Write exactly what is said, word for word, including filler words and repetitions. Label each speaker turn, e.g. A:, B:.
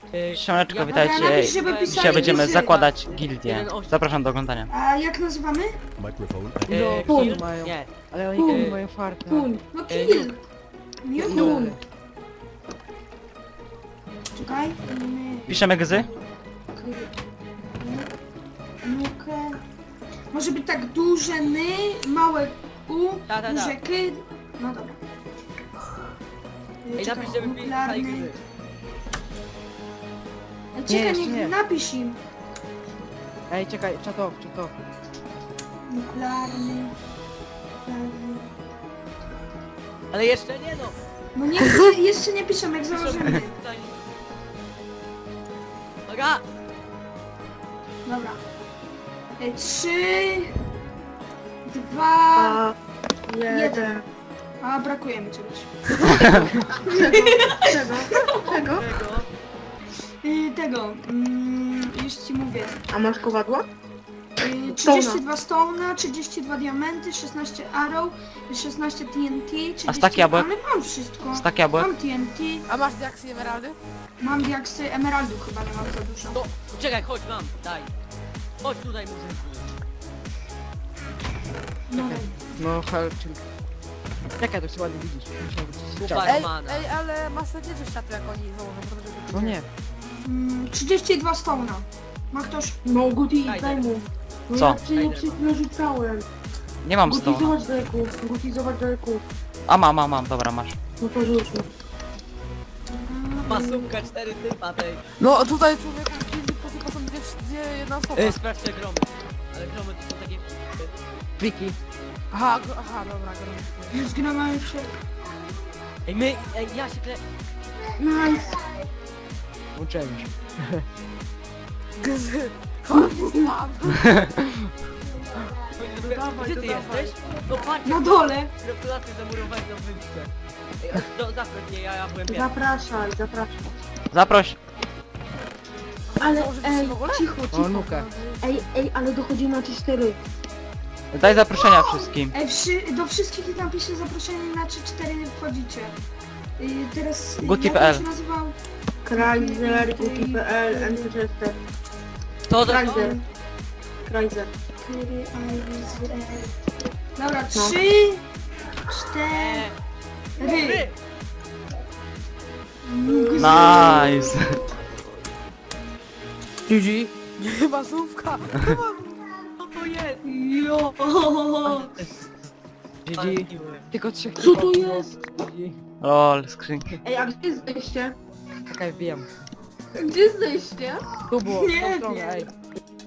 A: Y,
B: Siemaneczko,
A: ja-
B: witajcie.
C: Dobra, napisz, żeby pisali
B: Dzisiaj będziemy
C: wyzywa.
B: zakładać gildię. Zapraszam do oglądania.
C: A jak nazywamy?
D: Microphone.
A: y,
E: No,
A: kill?
E: pun mają.
A: Nie.
E: Ale oni
C: Pum.
E: nie mają farta.
C: Kun. No
A: E,
C: kill. Nie
E: Pun.
C: kun. Czekaj. My-
B: Piszemy gzy?
C: Nukę. Może być tak duże ny, małe u,
A: Ta, ta, ta.
C: duże ky. No dobra.
A: Ej,
C: Czekaj,
A: napisz, żeby pisali
C: nuklearny.
A: gry.
C: Ej,
E: Nie,
C: Czekaj,
E: jeszcze
C: niech
E: nie.
C: napisz im.
E: Ej, czekaj, czatow, czatow.
C: Nuklearny. Nuklearny.
A: Ale jeszcze nie no.
C: No nie, jeszcze nie piszemy, jak założymy.
A: Tutaj. Uwaga!
C: Dobra. Ej, Trzy, dwa, jeden. A brakuje mi czegoś.
F: Czego? Czego?
A: Tego.
C: Y, tego, mm, już ci mówię.
F: A masz kowadło?
C: Y, trzydzieści dwa stone, trzydzieści dwa diamenty, szesnaście arrow, szesnaście T N T, trzydzieści...
B: A stack jabłek?
C: Ale mam wszystko.
B: Stak jabłek?
C: Mam T N T,
G: A masz diaksy i emeraldy?
C: mam diaksy, emeraldów chyba nie mam za dużo.
A: No, czekaj, chodź mam, daj. Chodź tutaj murzynku.
C: No,
E: No, helczyk. Czekaj, to się ładnie widzisz. Musiał być
A: Super.
E: czas.
G: Ej,
A: Mana.
G: ej, ale masz nie coś światło jak oni założą, bo to będzie...
E: No nie.
C: mm, trzydzieści dwa stone. Ma ktoś?
F: No Guti,
A: Daj,
F: daj mu. No
B: Co?
F: ja ci
A: Daj,
F: nie przed chwilą rzucałem.
B: Nie mam
F: Guti,
B: stołu.
F: zobacz daleko. Guti, zobacz daleko.
B: A mam, mam, mam, dobra, masz.
F: No to rzuć mu.
A: Masówka, cztery typa tej.
G: No tutaj człowieku w gildii po tylko są dwie, dwie jedna osoba.
A: Ej, sprawdź te gromy. Ale gromy to są takie...
E: Pliki.
G: Aha, gro, aha, dobra, gromy.
C: Już gramy się.
A: Ej, my, ej, ja się kle...
C: Nice.
E: Uczyłem się.
G: Gzy. Mam.
A: Gdzie ty jesteś? No patrz,
C: Na dole.
A: gratulacje zamurowałeś na wyspę. Ej, a, do, zaproś mnie, ja, ja byłem pierwszy.
F: Zapraszaj, zapraszaj.
B: Zaproś.
F: Ale
G: Założyliście
F: ej,
G: w ogóle?
F: cicho,
E: O,
F: cicho.
E: nukę.
F: Ej, ej, ale dochodzimy na cztery.
B: Daj zaproszenia wszystkim.
C: Ej, wszy, do wszystkich napiszę zaproszenie na trzy cztery wchodzicie. Y, teraz... y,
B: Guti
C: jak
B: kropka p l.
C: on się nazywał?
F: Chrysler, Guti kropka p l, Manchester.
A: To to
F: Chrysler. Chrysler.
C: Który, a, z, e. Dobra,
F: No.
C: trzy, cztery.
A: Ry!
B: Nice.
G: G G. Chyba słówka.
A: Co to jest?
C: Jo.
E: G G. Tylko trzech
F: Co to
E: typów było.
F: jest?
E: G G.
B: Lol, skrzynki.
F: Ej, a gdzie jest zejście?
E: Czekaj, wbijam.
F: Gdzie jest zejście?
E: Tu było,
C: Nie
E: w tą stronę,
C: wiem.
E: ej.